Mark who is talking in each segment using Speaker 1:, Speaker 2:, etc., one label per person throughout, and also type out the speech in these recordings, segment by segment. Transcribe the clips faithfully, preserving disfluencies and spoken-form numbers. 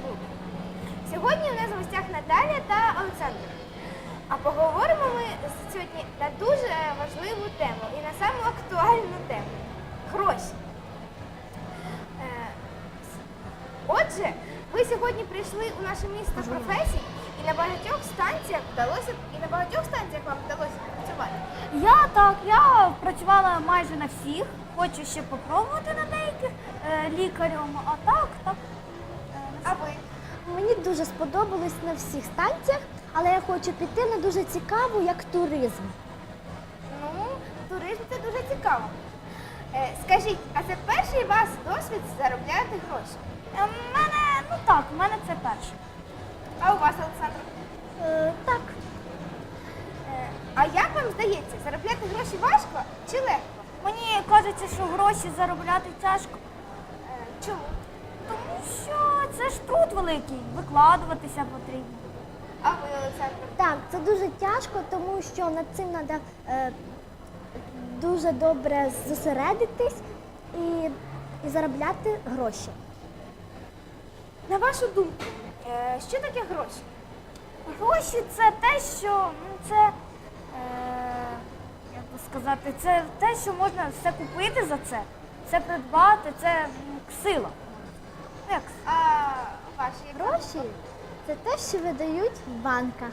Speaker 1: каблуки. Сьогодні у нас в гостях Наталя та Олександр. А поговоримо ми сьогодні на дуже важливу тему і на саму актуальну тему – гроші. Е, Отже, ви сьогодні прийшли у наше місто професій, і на багатьох станціях вдалося, і на багатьох станціях вам вдалося працювати.
Speaker 2: Я так, я працювала майже на всіх, хочу ще попробувати на деяких е, лікарем, а так, так. Е,
Speaker 1: А ви?
Speaker 3: Мені дуже сподобалось на всіх станціях, але я хочу піти на дуже цікаву, як туризм.
Speaker 1: Ну, туризм – це дуже цікаво. Е, скажіть, а це перший у вас досвід заробляти гроші?
Speaker 2: Е, в мене, ну так, в мене це перше.
Speaker 1: А у вас, Олександр?
Speaker 3: Е, так,
Speaker 1: Е, а як вам здається, заробляти гроші важко чи легко?
Speaker 2: Мені кажеться, що гроші заробляти тяжко,
Speaker 1: Е, чому?
Speaker 2: тому що це ж труд великий, викладуватися потрібно.
Speaker 1: А ви, Олександр?
Speaker 3: так, це дуже тяжко, тому що над цим треба е, дуже добре зосередитись і, і заробляти гроші.
Speaker 1: На вашу думку, е, що таке гроші?
Speaker 2: Гроші це те, що, ну це, е, як би сказати, це те, що можна все купити за це, все придбати, це м, сила. Ну, як
Speaker 1: А ваші
Speaker 3: Гроші це те, що видають в банках.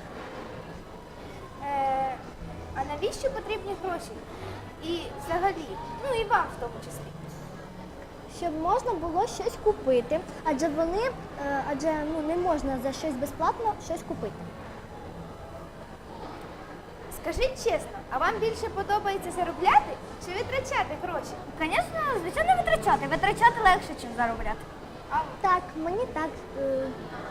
Speaker 1: Е, а навіщо потрібні гроші? І взагалі, ну і вам в тому числі.
Speaker 3: Щоб можна було щось купити, адже вони, е, адже ну, не можна за щось безплатно щось купити.
Speaker 1: Скажіть чесно, а вам більше подобається заробляти чи витрачати гроші?
Speaker 2: Звісно, звичайно, витрачати. Витрачати легше, ніж заробляти.
Speaker 1: А,
Speaker 3: Так, мені так. е,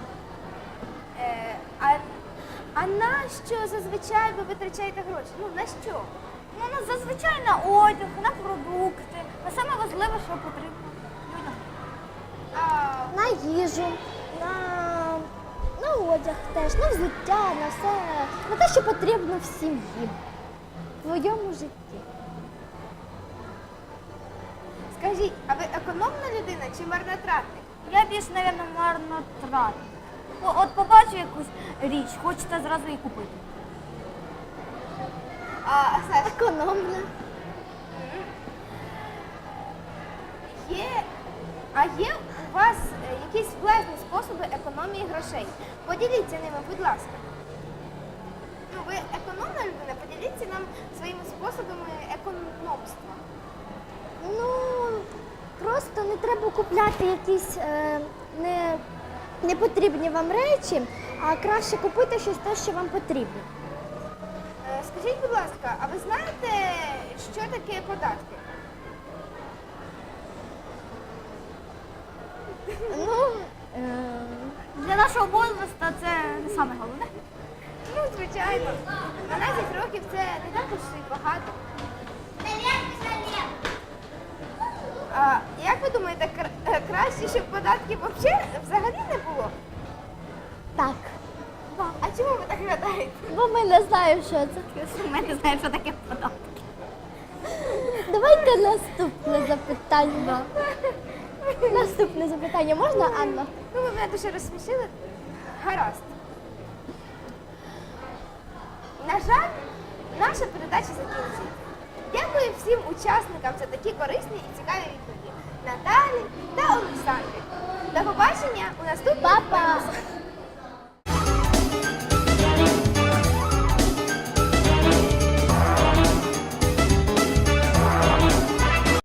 Speaker 1: е, а, а на що зазвичай ви витрачаєте гроші? Ну, на що?
Speaker 2: Ну, ну, зазвичай на одяг, на продукти, на саме важливе, що потрібно людям.
Speaker 1: А,
Speaker 3: На їжу, на, на одяг теж, на взуття, на все, на те, що потрібно в сім'ї, в твоєму житті.
Speaker 1: скажіть, а ви економна людина чи марнотратник?
Speaker 2: Я більш, мабуть, марнотратник. О, От побачу якусь річ, хочеться зразу її купити.
Speaker 1: А, Саш,
Speaker 3: Економна.
Speaker 1: є, а є у вас е, якісь власні способи економії грошей? Поділіться ними, будь ласка. Ну, ви економна людина, поділіться нам своїми способами економства.
Speaker 3: Ну, просто не треба купляти якісь е, не, непотрібні вам речі, а краще купити щось те, що вам потрібно.
Speaker 1: Е, Скажіть, будь ласка, а ви знаєте, що таке податки?
Speaker 3: Ну, е,
Speaker 2: Для нашого возрасту це не саме головне.
Speaker 1: Ну, звичайно. дванадцять років це не так уж і багато. А як ви думаєте, кра- е, краще, щоб податків вообще взагалі не було?
Speaker 3: так.
Speaker 1: А чому ви так гадаєте?
Speaker 3: Бо ми не знаємо, що це.
Speaker 2: Ми не знаємо, що таке податки.
Speaker 3: Давайте наступне запитання. Наступне запитання можна, Анна?
Speaker 1: Ну, ви мене дуже розсмішили. Гаразд. На жаль, наша передача закінчується. Дякую всім учасникам за такі корисні і цікаві відповіді. Наталі та Олександрі. До побачення у наступному
Speaker 3: Па-па!
Speaker 1: випуску.